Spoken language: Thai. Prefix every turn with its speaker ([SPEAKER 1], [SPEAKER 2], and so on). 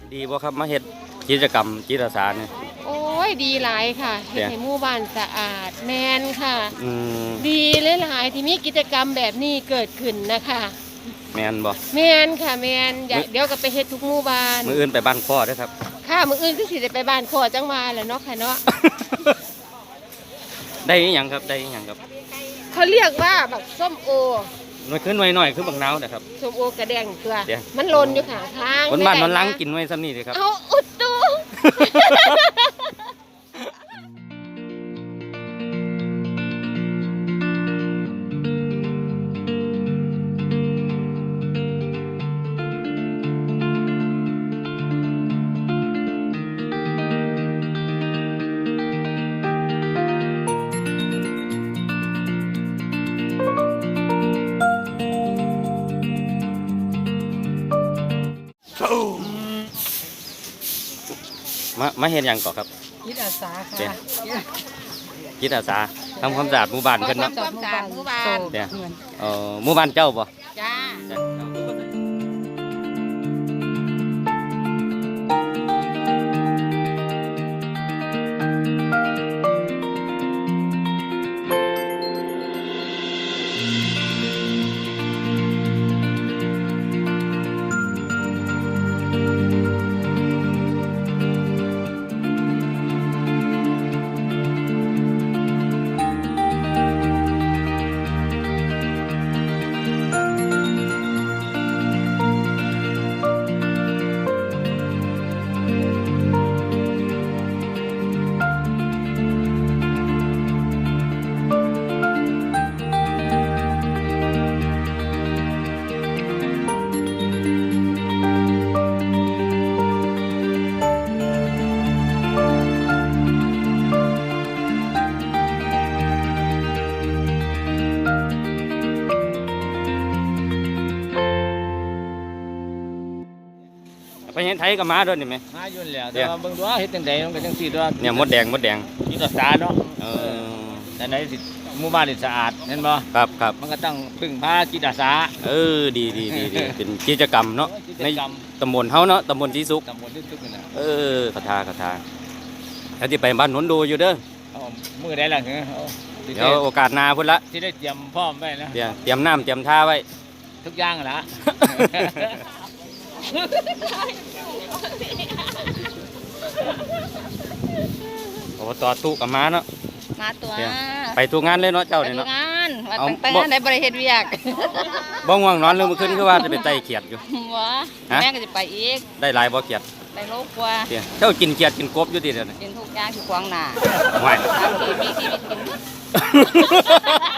[SPEAKER 1] ดีบ่ครับมาเฮ็ดกิจกรรมจิตอาสาเนี่ย
[SPEAKER 2] โอ้ยดีหลายค่ะเฮ็ดให้หมู่บ้านสะอาดแมนค่ะดีหลายๆที่มีกิจกรรมแบบนี้เกิดขึ้นนะคะ
[SPEAKER 1] แมนบ่
[SPEAKER 2] แมนค่ะแมนเดี๋ยวก็ไปเฮ็ดทุกหมู่บ้าน
[SPEAKER 1] มื้ออื่นไปบ้านพ่อเด้อครับ
[SPEAKER 2] ค่ะมื้ออื่นคือสิได้ไปบ้านพ่อจังหวัดแหละเนาะค่ะเนาะ
[SPEAKER 1] ได้อีหยังครับได้อีหยังครับ
[SPEAKER 2] เขาเรียกว่าบักส้มโอ
[SPEAKER 1] หน่อยขึ้นหน่อยคือบักนาวนะครับ
[SPEAKER 2] ส้มโอกระแดงตัวมันหล่นอยู่ข้างทาง
[SPEAKER 1] คนบ้านมันล้างกินไว้ซ้ำนี่เลยครับ
[SPEAKER 2] เอาอุดตู
[SPEAKER 1] มาเห็นอย่างก่อนครับ
[SPEAKER 2] จิตอาสาค่ะ
[SPEAKER 1] จิตอาสาทำความสะอาดหมู่บ้านเพิ่นเนาะ
[SPEAKER 2] ความสะอาดหมู่บ้าน
[SPEAKER 1] เนี่ยหมู่บ้านเจ้าบ่
[SPEAKER 2] จ้า
[SPEAKER 1] ไปเห็นไทยกับม้าด้วยนี่ไหม
[SPEAKER 3] ม้ายุ่นแล้วแต่ว่าเบิ่งตัวเฮ็ดจังได๋มันก็จังซี่ตัว
[SPEAKER 1] เนี่ยมดแดง
[SPEAKER 3] จิตอาสาเนาะแต่ไหนสิหมู่บ้านนี่สะอาดเห็นบ่
[SPEAKER 1] ครับ
[SPEAKER 3] มันก็ต้องพึ่งพาจิตอาสา
[SPEAKER 1] ดีเป็นกิจกรรมเนาะในตำบลเฮาเนาะตำบลศรีสุข
[SPEAKER 3] ตำบลศรีสุขนี่นะ
[SPEAKER 1] คาถาแล้วที่ไปบ้านหนนดูอยู่เด้อ
[SPEAKER 3] มื้อใดล่ะ
[SPEAKER 1] เดี๋ยวโอกาสหน้าพุ่นละ
[SPEAKER 3] สิได้เตรียมพร้อมไว้นะ
[SPEAKER 1] เตรียมน้ำเตรียมท่าไว้
[SPEAKER 3] ทุกอย่างล่ะ
[SPEAKER 1] อบต.ตุกับม้าเนาะ
[SPEAKER 4] มาตัว
[SPEAKER 1] ไปทุกงานเลยเนาะเจ้าเนี่ยเนาะ
[SPEAKER 4] งานว่าตั้งงานได้บริเฮ็ดเวียก
[SPEAKER 1] บ่ง่วงนอนเรื่องมื้อคืนคือว่าจะไปไต่เขียดอยู่
[SPEAKER 4] แม่ก็จะไปอีก
[SPEAKER 1] ได้หลายบ่เขียด
[SPEAKER 4] ได้โลกว่า
[SPEAKER 1] เจ้ากินเขียดกินกบอยู่ติเด้อ
[SPEAKER 4] กินทุกอย่างที่ขวางหน้า
[SPEAKER 1] ห่วย
[SPEAKER 4] มีชีวิตกิน